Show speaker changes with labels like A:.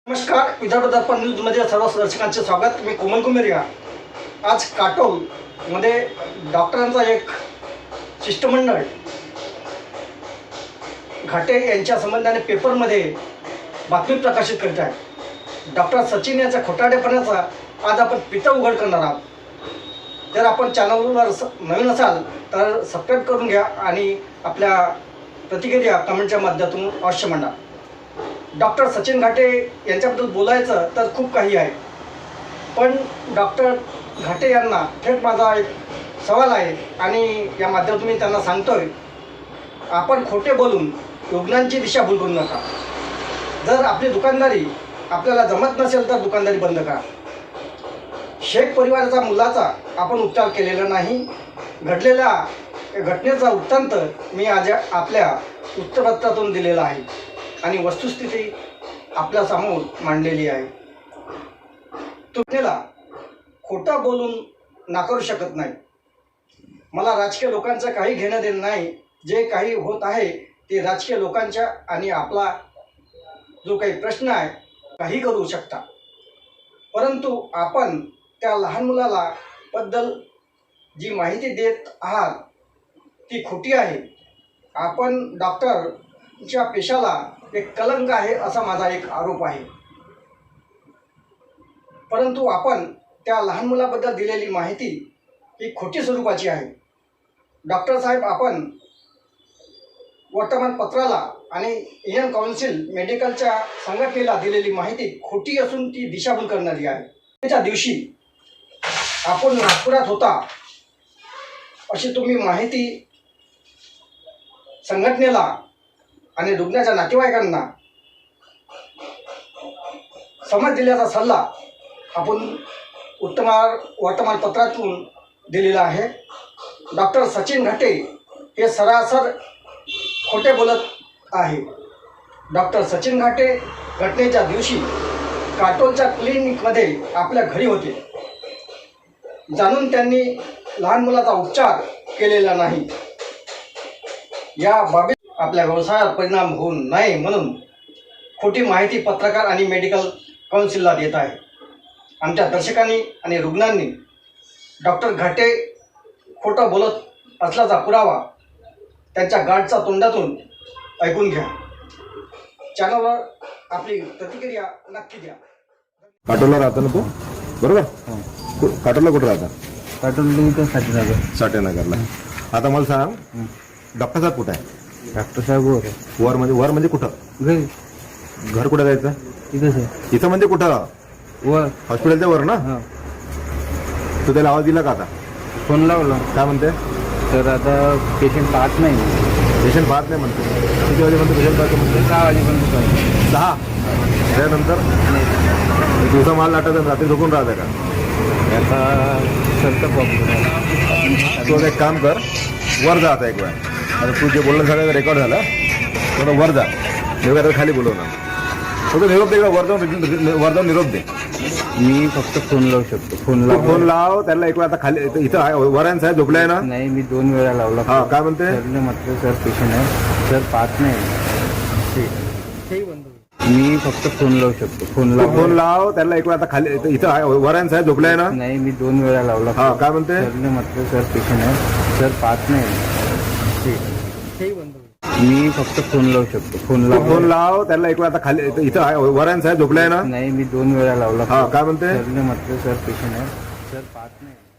A: नमस्कार, विदर्भ दर्पण न्यूजमध्ये सर्व दर्शकांचे स्वागत. मी कोमल कुमेरिया. आज काटोलमध्ये डॉक्टरांचा एक शिष्टमंडळ घाटे यांच्या संबंधाने पेपरमध्ये बातमी प्रकाशित करीत आहे. डॉक्टर सचिन यांच्या खोटारडेपणाचा आज आपण पिता उघड करणार आहोत. जर आपण चॅनलवर नवीन असाल तर सबस्क्राईब करून घ्या आणि आपल्या प्रतिक्रिया कमेंटच्या माध्यमातून अवश्य मांडा. डॉक्टर सचिन घाटे यांच्याबद्दल बोलायचं तर खूप काही आहे, पण डॉक्टर घाटे यांना थेट माझा एक सवाल आहे आणि या माध्यमातून मी त्यांना सांगतोय, आपण खोटे बोलून रुग्णांची दिशाभूल करू नका. जर आपली दुकानदारी आपल्याला जमत नसेल तर दुकानदारी बंद करा. शेख परिवाराचा मुलाचा आपण उपचार केलेला नाही. घडलेल्या घटनेचा वृत्तांत मी आज आपल्या वृत्तपत्रातून दिलेला आहे आणि वस्तुस्थिती आपल्यासमोर मांडलेली आहे. तुम्हाला खोटं बोलून नाकारू शकत नाही. मला राजकीय लोकांचं काही घेणं देणं नाही. जे काही होत आहे ते राजकीय लोकांच्या आणि आपला जो काही प्रश्न आहे काही करू शकता, परंतु आपण त्या लहान मुलाला बद्दल जी माहिती देत आहात ती खोटी आहे. आपण डॉक्टरच्या पेशाला एक कलंक आहे असा माझा एक आरोप आहे. परंतु आपण त्या लहान मुलाबद्दल दिलेली माहिती ही खोटी स्वरूपाची आहे. डॉक्टर साहेब, आपण वर्तमानपत्राला आणि इंडियन काउन्सिल मेडिकलच्या संघटनेला दिलेली माहिती खोटी असून ती दिशाभूल करणारी आहे. त्या दिवशी आपण नागपुरात होता अशी तुम्ही माहिती संघटनेला आणि रुग्णाच्या नातेवाईकांना समज दिल्याचा सल्ला आपण वर्तमानपत्रातून दिलेला आहे. डॉक्टर सचिन घाटे हे सरासर खोटे बोलत आहे. डॉक्टर सचिन घाटे घटनेच्या दिवशी काटोलच्या क्लिनिकमध्ये आपल्या घरी होते. जाणून त्यांनी लहान मुलाचा उपचार केलेला नाही. या बाबीत आपल्या व्यवसायावर परिणाम होऊ नये म्हणून खोटी माहिती पत्रकार आणि मेडिकल काउन्सिलला देत आहे. आमच्या दर्शकांनी आणि रुग्णांनी डॉक्टर घाटे खोटं बोलत असल्याचा पुरावा त्यांच्या गार्डच्या तोंडातून ऐकून घ्या. चॅनलवर आपली प्रतिक्रिया नक्की द्या.
B: काटोलला राहता ना तू? बरोबर. काटोलला कुठं राहता?
C: काटोल
B: साठेनगरला. आता मला सांग, डॉक्टर साहेब कुठं आहे?
C: डॉक्टर साहेब
B: वर म्हणजे कुठं?
C: घरी.
B: घर कुठं जायचं?
C: इथंच आहे.
B: इथं म्हणजे कुठं?
C: वर.
B: हॉस्पिटलच्या वर ना?
C: हा.
B: तू त्याला आवाज दिला का आता?
C: फोन लावला
B: काय म्हणते?
C: तर आता पेशंट पाहत नाही.
B: पेशंट पाहत नाही म्हणते. किती वाजे म्हणते पेशंट पाहतो म्हणते?
C: 6 वाजेपर्यंत पाहिजे.
B: 6. त्यानंतर दिवसा माल लाटायचा, रात्री झोपून राहते का?
C: आता सरतं प्रॉब्लेम.
B: तू एक काम कर, वर जा आता एक वेळा. आता तू जे बोलणं सगळं रेकॉर्ड झालं, थोडं वर जा. निरोप खाली बोलवणार. फक्त निरोप दे, वर जाऊन निरोप दे.
C: मी फक्त फोन लावू शकतो. फोन
B: लाव त्याला एक वेळा. आता खाली इथं वरायन साहेब झोपले आहे ना?
C: नाही, मी 2 वेळा लावला.
B: हा, काय म्हणते?
C: सरने म्हटलं सर पेशंट आहे, सर पाहत नाही. मी फक्त फोन लावू शकतो.
B: फोन लाव त्याला एक वेळा. आता खाली इथं वरायन साहेब झोपले आहे ना?
C: नाही, मी 2 वेळा लावला.
B: हा, काय म्हणते?
C: सरने म्हटलं सर पेशंट आहे, सर पाहत नाही. मी फक्त फोन लावू शकतो.
B: फोन लाव त्याला एक वेळा. आता खाली इथं वरायन साहेब झोपले आहे ना?
C: नाही, मी 2 वेळा लावला.
B: हा, काय म्हणते?
C: सरने म्हटलं सर पेशंट आहे, सर पाहत नाही.